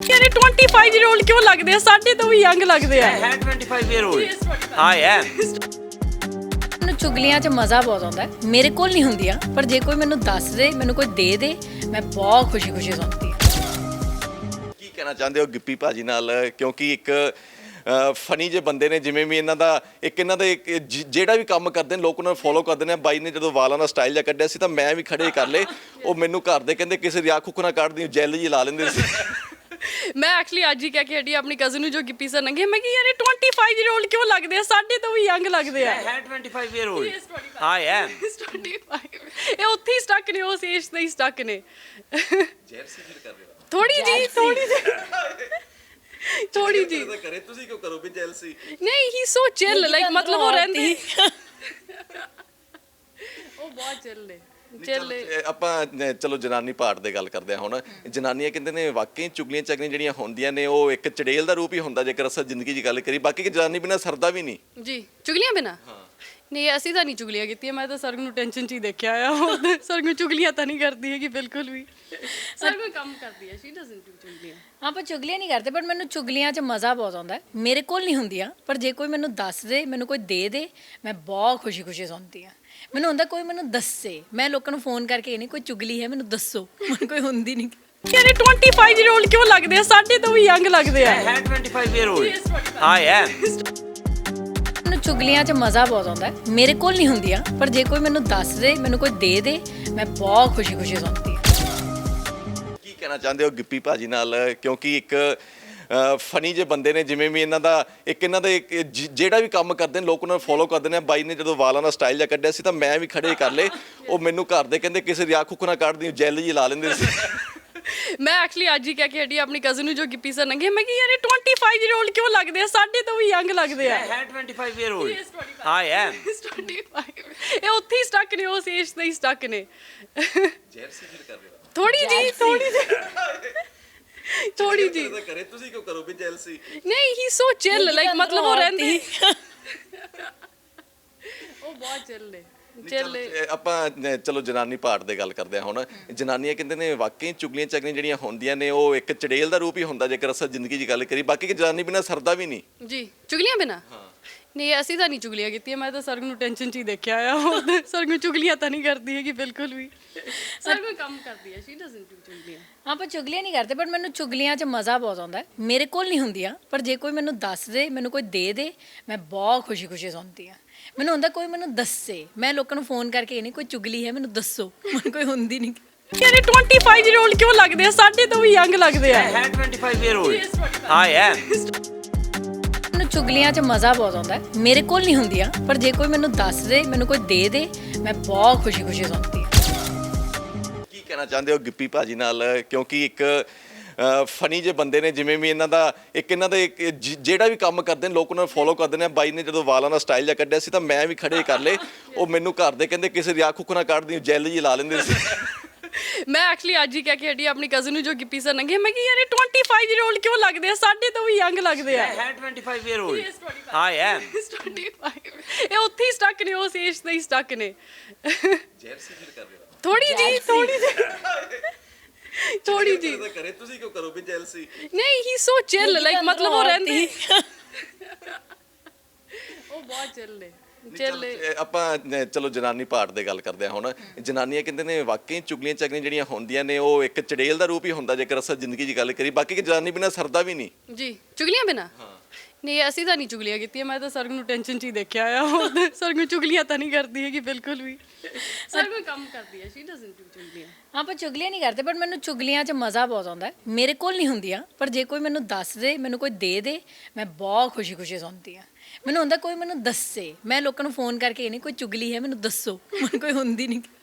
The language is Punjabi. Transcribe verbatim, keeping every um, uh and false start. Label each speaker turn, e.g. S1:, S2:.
S1: यार ये पच्चीस ईयर ओल्ड क्यों लगते हैं? साढ़े तो भी यंग लगते हैं।
S2: है twenty-five year old I am
S3: ਮੈਨੂੰ ਚੁਗਲੀਆਂ 'ਚ ਮਜ਼ਾ ਬਹੁਤ ਆਉਂਦਾ ਹੈ। ਮੇਰੇ ਕੋਲ ਨਹੀਂ ਹੁੰਦੀਆਂ, ਪਰ ਜੇ ਕੋਈ ਮੈਨੂੰ ਦੱਸ ਦੇ, ਮੈਨੂੰ ਕੋਈ ਦੇ ਦੇ, ਮੈਂ ਬਹੁਤ ਖੁਸ਼ੀ-ਖੁਸ਼ੀ ਸੁਣਦੀ ਹਾਂ।
S4: ਕੀ ਕਹਿਣਾ ਚਾਹੁੰਦੇ ਹੋ ਗਿੱਪੀ ਭਾਜੀ ਨਾਲ, ਕਿਉਂਕਿ ਇੱਕ ਫਨੀ ਜੇ ਬੰਦੇ ਨੇ, ਜਿਵੇਂ ਵੀ ਇਹਨਾਂ ਦਾ ਇੱਕ ਇਹਨਾਂ ਦੇ ਇੱਕ ਜ- ਜਿਹੜਾ ਵੀ ਕੰਮ ਕਰਦੇ ਨੇ ਲੋਕ ਉਹਨਾਂ ਨੂੰ ਫੋਲੋ ਕਰਦੇ ਨੇ। ਬਾਈ ਨੇ ਜਦੋਂ ਵਾਲਾਂ ਦਾ ਸਟਾਈਲ ਜਿਹਾ ਕੱਢਿਆ ਸੀ ਤਾਂ ਮੈਂ ਵੀ ਖੜੇ ਕਰ ਲਏ। ਉਹ ਮੈਨੂੰ ਘਰ ਦੇ ਕਹਿੰਦੇ ਕਿਸੇ ਦੀ ਅੱਖ ਉੱਖ ਨਾ ਕੱਢਦੀ, ਜੈਲ ਜੀ ਲਾ ਲੈਂਦੇ ਸੀ।
S1: ਮੈਂ ਐਕਚੁਅਲੀ ਅੱਜ ਹੀ ਕਹਿ ਕੇ ਹਟੀ ਆਪਣੀ ਕਜ਼ਨ ਨੂੰ ਜੋ ਗਿੱਪੀ ਸਰ ਨੰਗੇ, ਮੈਂ ਕਿ ਯਾਰ ਇਹ ਪੱਚੀਸ ਈयर ओल्ड क्यों लगते हैं? साढ़े तो भी यंग लगते हैं।
S2: है twenty-five year old I am
S1: पच्चीस ਇਹ ਉੱਥੇ ਹੀ ਸਟਕ ਨੇ, ਉਸ ਏਜ ਤੇ ਹੀ ਸਟਕ ਨੇ।
S4: ਜੈਲਸੀ ਫੀਲ ਕਰ ਰਹੇ ਹੋ?
S1: ਥੋੜੀ ਜੀ ਥੋੜੀ ਜੀ ਥੋੜੀ ਜੀ
S4: ਕਰੇ ਤੁਸੀਂ ਕਿਉਂ ਕਰੋ ਵੀ ਜੈਲਸੀ?
S1: ਨਹੀਂ ਹੀ ਸੋ ਚਿਲ ਲਾਈਕ ਮਤਲਬ ਉਹ ਰਹਿੰਦੇ ਉਹ ਬਹੁਤ ਚਿਲ ਨੇ ਚਿਲ
S4: ਆਪਾਂ ਅਹ, ਚਲੋ ਜਨਾਨੀ ਪਾਰਟ ਦੇ ਗੱਲ ਕਰਦੇ ਹਾਂ ਹੁਣ। ਜਨਾਨੀਆਂ ਕਹਿੰਦੇ ਨੇ ਵਾਕਈ ਚੁਗਲੀਆਂ ਚੱਗਲੀਆਂ ਜਿਹੜੀਆਂ ਹੁੰਦੀਆਂ ਨੇ ਉਹ ਇੱਕ ਚੜੇਲ ਦਾ ਰੂਪ ਹੀ ਹੁੰਦਾ ਜੇਕਰ ਅਸਲ ਜ਼ਿੰਦਗੀ ਦੀ ਗੱਲ ਕਰੀ। ਬਾਕੀ ਕਿ ਜਨਾਨੀ ਬਿਨਾਂ ਸਰਦਾ ਵੀ ਨਹੀਂ
S1: ਜੀ। ਚੁਗਲੀਆਂ ਬਿਨਾ ਨਹੀਂ, ਅਸੀਂ ਤਾਂ ਨਹੀਂ ਚੁਗਲੀਆਂ ਕੀਤੀਆਂ। ਮੈਂ ਤਾਂ ਸਰਗ ਨੂੰ ਟੈਨਸ਼ਨ 'ਚ ਹੀ ਦੇਖਿਆ ਆ। ਉਹ ਸਰਗ ਨੂੰ ਚੁਗਲੀਆਂ ਤਾਂ ਨਹੀਂ ਕਰਦੀ ਹੈਗੀ ਬਿਲਕੁਲ ਵੀ। ਸਰਗ ਨੂੰ ਕੰਮ ਕਰਦੀ ਹੈ, ਸ਼ੀ ਡਸਨਟ ਡੂ ਚੁਗਲੀਆਂ।
S3: ਆਪਾਂ ਚੁਗਲੀਆਂ ਨਹੀਂ ਕਰਦੇ, ਪਰ ਮੈਨੂੰ ਚੁਗਲੀਆਂ 'ਚ ਮਜ਼ਾ ਬਹੁਤ ਆਉਂਦਾ ਹੈ। ਮੇਰੇ ਕੋਲ ਨਹੀਂ ਹੁੰਦੀਆਂ, ਪਰ ਜੇ ਕੋਈ ਮੈਨੂੰ ਦੱਸ ਦੇ, ਮੈਨੂੰ ਕੋਈ ਦੇ ਦੇ, ਮੈਂ ਬਹੁਤ ਖੁਸ਼ੀ-ਖੁਸ਼ੀ ਸੁਣਦੀ ਹਾਂ। ਮੈਨੂੰ ਹੁੰਦਾ ਕੋਈ ਮੈਨੂੰ ਦੱਸੇ। ਮੈਂ ਲੋਕਾਂ ਨੂੰ ਫੋਨ ਕਰਕੇ ਇਹ ਨਹੀਂ ਕੋਈ ਚੁਗਲੀ ਹੈ ਮੈਨੂੰ ਦੱਸੋ, ਮੈਨੂੰ ਕੋਈ ਹੁੰਦੀ ਨਹੀਂ।
S1: ਯਾਰ ਇਹ ਪੱਚੀਸ ਈयर ओल्ड क्यों लगते हैं? साढ़े तो भी यंग लगते हैं।
S2: है twenty-five year old I am
S3: ਮੈਨੂੰ ਚੁਗਲੀਆਂ 'ਚ ਮਜ਼ਾ ਬਹੁਤ ਆਉਂਦਾ ਹੈ। ਮੇਰੇ ਕੋਲ ਨਹੀਂ ਹੁੰਦੀਆਂ, ਪਰ ਜੇ ਕੋਈ ਮੈਨੂੰ ਦੱਸ ਦੇ, ਮੈਨੂੰ ਕੋਈ ਦੇ ਦੇ, ਮੈਂ ਬਹੁਤ ਖੁਸ਼ੀ-ਖੁਸ਼ੀ ਸੁਣਦੀ ਹਾਂ।
S4: ਕੀ ਕਹਿਣਾ ਚਾਹੁੰਦੇ ਹੋ ਗਿੱਪੀ ਭਾਜੀ ਨਾਲ, ਕਿਉਂਕਿ ਇੱਕ ਫਨੀ ਜੇ ਬੰਦੇ ਨੇ, ਜਿਵੇਂ ਵੀ ਇਹਨਾਂ ਦਾ ਇੱਕ ਇਹਨਾਂ ਦੇ ਇੱਕ ਜ- ਜਿਹੜਾ ਵੀ ਕੰਮ ਕਰਦੇ ਨੇ ਲੋਕ ਉਹਨਾਂ ਨੂੰ ਫੋਲੋ ਕਰਦੇ ਨੇ। ਬਾਈ ਨੇ ਜਦੋਂ ਵਾਲਾਂ ਦਾ ਸਟਾਈਲ ਜਿਹਾ ਕੱਢਿਆ ਸੀ ਤਾਂ ਮੈਂ ਵੀ ਖੜੇ ਕਰ ਲਏ। ਉਹ ਮੈਨੂੰ ਘਰ ਦੇ ਕਹਿੰਦੇ ਕਿਸੇ ਦੀ ਅੱਖ ਉੱਖ ਨਾ ਕੱਢਦੀ, ਜੈਲ ਜੀ ਲਾ ਲੈਂਦੇ ਸੀ।
S1: ਮੈਂ ਐਕਚੁਅਲੀ ਅੱਜ ਹੀ ਕਹਿ ਕੇ ਹਟੀ ਆਪਣੀ ਕਜ਼ਨ ਨੂੰ ਜੋ ਗਿੱਪੀ ਸਰ ਨੰਗੇ, ਮੈਂ ਕਿ ਯਾਰ ਇਹ ਪੱਚੀਸ ਈयर ओल्ड क्यों लगते हैं? साढ़े तो भी यंग लगते हैं।
S2: है twenty-five year old I am
S1: ਇਹ ਉੱਥੇ ਹੀ ਸਟਕ ਨੇ, ਉਸ ਏਜ ਤੇ ਹੀ ਸਟਕ ਨੇ।
S4: ਜੈਲਸੀ ਫੀਲ ਕਰ ਰਹੇ ਹੋ?
S1: ਥੋੜੀ ਜੀ ਥੋੜੀ ਜੀ ਥੋੜੀ ਜੀ
S4: ਕਰੇ ਤੁਸੀਂ ਕਿਉਂ ਕਰੋ ਵੀ ਜੈਲਸੀ?
S1: ਨਹੀਂ ਹੀ ਸੋ ਚਿਲ ਲਾਈਕ ਮਤਲਬ ਉਹ ਰਹਿੰਦੇ ਉਹ ਬਹੁਤ ਚਿਲ ਨੇ ਚਿਲ
S4: ਆਪਾਂ ਅਹ, ਚਲੋ ਜਨਾਨੀ ਪਾਰਟ ਦੇ ਗੱਲ ਕਰਦੇ ਹਾਂ ਹੁਣ। ਜਨਾਨੀਆਂ ਕਹਿੰਦੇ ਨੇ ਵਾਕਈ ਚੁਗਲੀਆਂ ਚੱਗਲੀਆਂ ਜਿਹੜੀਆਂ ਹੁੰਦੀਆਂ ਨੇ ਉਹ ਇੱਕ ਚੜੇਲ ਦਾ ਰੂਪ ਹੀ ਹੁੰਦਾ ਜੇਕਰ ਅਸਲ ਜ਼ਿੰਦਗੀ ਦੀ ਗੱਲ ਕਰੀ। ਬਾਕੀ ਕਿ ਜਨਾਨੀ ਬਿਨਾਂ ਸਰਦਾ ਵੀ ਨਹੀਂ
S1: ਜੀ। ਚੁਗਲੀਆਂ ਬਿਨਾ ਨਹੀਂ, ਅਸੀਂ ਤਾਂ ਨਹੀਂ ਚੁਗਲੀਆਂ ਕੀਤੀਆਂ। ਮੈਂ ਤਾਂ ਸਰਗ ਨੂੰ ਟੈਨਸ਼ਨ 'ਚ ਹੀ ਦੇਖਿਆ ਆ। ਉਹ ਸਰਗ ਨੂੰ ਚੁਗਲੀਆਂ ਤਾਂ ਨਹੀਂ ਕਰਦੀ ਹੈਗੀ ਬਿਲਕੁਲ ਵੀ। ਸਰਗ ਨੂੰ ਕੰਮ ਕਰਦੀ ਹੈ, ਸ਼ੀ ਡਸਨਟ ਡੂ ਚੁਗਲੀਆਂ।
S3: ਆਪਾਂ ਚੁਗਲੀਆਂ ਨਹੀਂ ਕਰਦੇ, ਪਰ ਮੈਨੂੰ ਚੁਗਲੀਆਂ 'ਚ ਮਜ਼ਾ ਬਹੁਤ ਆਉਂਦਾ ਹੈ। ਮੇਰੇ ਕੋਲ ਨਹੀਂ ਹੁੰਦੀਆਂ, ਪਰ ਜੇ ਕੋਈ ਮੈਨੂੰ ਦੱਸ ਦੇ, ਮੈਨੂੰ ਕੋਈ ਦੇ ਦੇ, ਮੈਂ ਬਹੁਤ ਖੁਸ਼ੀ-ਖੁਸ਼ੀ ਸੁਣਦੀ ਹਾਂ। ਮੈਨੂੰ ਹੁੰਦਾ ਕੋਈ ਮੈਨੂੰ ਦੱਸੇ। ਮੈਂ ਲੋਕਾਂ ਨੂੰ ਫੋਨ ਕਰਕੇ ਇਹ ਨਹੀਂ ਕੋਈ ਚੁਗਲੀ ਹੈ ਮੈਨੂੰ ਦੱਸੋ, ਮੈਨੂੰ ਕੋਈ ਹੁੰਦੀ ਨਹੀਂ।
S1: ਯਾਰ ਇਹ ਪੱਚੀਸ ਈयर ओल्ड क्यों लगते हैं? साढ़े तो भी यंग लगते हैं।
S2: है twenty-five year old I am
S3: ਮੈਨੂੰ ਚੁਗਲੀਆਂ 'ਚ ਮਜ਼ਾ ਬਹੁਤ ਆਉਂਦਾ ਹੈ। ਮੇਰੇ ਕੋਲ ਨਹੀਂ ਹੁੰਦੀਆਂ, ਪਰ ਜੇ ਕੋਈ ਮੈਨੂੰ ਦੱਸ ਦੇ, ਮੈਨੂੰ ਕੋਈ ਦੇ ਦੇ, ਮੈਂ ਬਹੁਤ ਖੁਸ਼ੀ-ਖੁਸ਼ੀ ਸੁਣਦੀ ਹਾਂ।
S4: ਕੀ ਕਹਿਣਾ ਚਾਹੁੰਦੇ ਹੋ ਗਿੱਪੀ ਭਾਜੀ ਨਾਲ, ਕਿਉਂਕਿ ਇੱਕ ਫਨੀ ਜੇ ਬੰਦੇ ਨੇ, ਜਿਵੇਂ ਵੀ ਇਹਨਾਂ ਦਾ ਇੱਕ ਇਹਨਾਂ ਦੇ ਇੱਕ ਜ- ਜਿਹੜਾ ਵੀ ਕੰਮ ਕਰਦੇ ਨੇ ਲੋਕ ਉਹਨਾਂ ਨੂੰ ਫੋਲੋ ਕਰਦੇ ਨੇ। ਬਾਈ ਨੇ ਜਦੋਂ ਵਾਲਾਂ ਦਾ ਸਟਾਈਲ ਜਿਹਾ ਕੱਢਿਆ ਸੀ ਤਾਂ ਮੈਂ ਵੀ ਖੜੇ ਕਰ ਲਏ। ਉਹ ਮੈਨੂੰ ਘਰ ਦੇ ਕਹਿੰਦੇ ਕਿਸੇ ਦੀ ਅੱਖ ਉੱਖ ਨਾ ਕੱਢਦੀ, ਜੈਲ ਜੀ ਲਾ ਲੈਂਦੇ ਸੀ।
S1: ਮੈਂ ਐਕਚੁਅਲੀ ਅੱਜ ਹੀ ਕਹਿ ਕੇ ਹਟੀ ਆਪਣੀ ਕਜ਼ਨ ਨੂੰ ਜੋ ਗਿੱਪੀ ਸਰ ਨੰਗੇ, ਮੈਂ ਕਿ ਯਾਰ ਇਹ ਪੱਚੀਸ ਈयर ओल्ड क्यों लगते हैं? साढ़े तो भी यंग लगते हैं।
S2: है twenty-five year old I am
S1: ਇਹ ਉੱਥੇ ਹੀ ਸਟਕ ਨੇ, ਉਸ ਏਜ ਤੇ ਹੀ ਸਟਕ ਨੇ।
S4: ਜੈਲਸੀ ਫੀਲ ਕਰ ਰਹੇ ਹੋ?
S1: ਥੋੜੀ ਜੀ ਥੋੜੀ ਜੀ ਥੋੜੀ ਜੀ
S4: ਕਰੇ ਤੁਸੀਂ ਕਿਉਂ ਕਰੋ ਵੀ ਜੈਲਸੀ?
S1: ਨਹੀਂ ਹੀ ਸੋ ਚਿਲ ਲਾਈਕ ਮਤਲਬ ਉਹ ਰਹਿੰਦੇ ਉਹ ਬਹੁਤ ਚਿਲ ਨੇ ਚਿਲ
S4: ਆਪਾਂ ਅਹ, ਚਲੋ ਜਨਾਨੀ ਪਾਰਟ ਦੇ ਗੱਲ ਕਰਦੇ ਹਾਂ ਹੁਣ। ਜਨਾਨੀਆਂ ਕਹਿੰਦੇ ਨੇ ਵਾਕਈ ਚੁਗਲੀਆਂ ਚੱਗਲੀਆਂ ਜਿਹੜੀਆਂ ਹੁੰਦੀਆਂ ਨੇ ਉਹ ਇੱਕ ਚੜੇਲ ਦਾ ਰੂਪ ਹੀ ਹੁੰਦਾ ਜੇਕਰ ਅਸਲ ਜ਼ਿੰਦਗੀ ਦੀ ਗੱਲ ਕਰੀ। ਬਾਕੀ ਕਿ ਜਨਾਨੀ ਬਿਨਾਂ ਸਰਦਾ ਵੀ ਨਹੀਂ
S1: ਜੀ। ਚੁਗਲੀਆਂ ਬਿਨਾ ਨਹੀਂ, ਅਸੀਂ ਤਾਂ ਨਹੀਂ ਚੁਗਲੀਆਂ ਕੀਤੀਆਂ। ਮੈਂ ਤਾਂ ਸਰਗ ਨੂੰ ਟੈਨਸ਼ਨ 'ਚ ਹੀ ਦੇਖਿਆ ਆ। ਉਹ ਸਰਗ ਨੂੰ ਚੁਗਲੀਆਂ ਤਾਂ ਨਹੀਂ ਕਰਦੀ ਹੈਗੀ ਬਿਲਕੁਲ ਵੀ। ਸਰਗ ਨੂੰ ਕੰਮ ਕਰਦੀ ਹੈ, ਸ਼ੀ ਡਸਨਟ ਡੂ ਚੁਗਲੀਆਂ।
S3: ਆਪਾਂ ਚੁਗਲੀਆਂ ਨਹੀਂ ਕਰਦੇ, ਪਰ ਮੈਨੂੰ ਚੁਗਲੀਆਂ 'ਚ ਮਜ਼ਾ ਬਹੁਤ ਆਉਂਦਾ ਹੈ। ਮੇਰੇ ਕੋਲ ਨਹੀਂ ਹੁੰਦੀਆਂ, ਪਰ ਜੇ ਕੋਈ ਮੈਨੂੰ ਦੱਸ ਦੇ, ਮੈਨੂੰ ਕੋਈ ਦੇ ਦੇ, ਮੈਂ ਬਹੁਤ ਖੁਸ਼ੀ-ਖੁਸ਼ੀ ਸੁਣਦੀ ਹਾਂ। ਮੈਨੂੰ ਹੁੰਦਾ ਕੋਈ ਮੈਨੂੰ ਦੱਸੇ। ਮੈਂ ਲੋਕਾਂ ਨੂੰ ਫੋਨ ਕਰਕੇ ਇਹ ਨਹੀਂ ਕੋਈ ਚੁਗਲੀ ਹੈ ਮੈਨੂੰ ਦੱਸੋ, ਮੈਨੂੰ ਕੋਈ ਹੁੰਦੀ ਨਹੀਂ।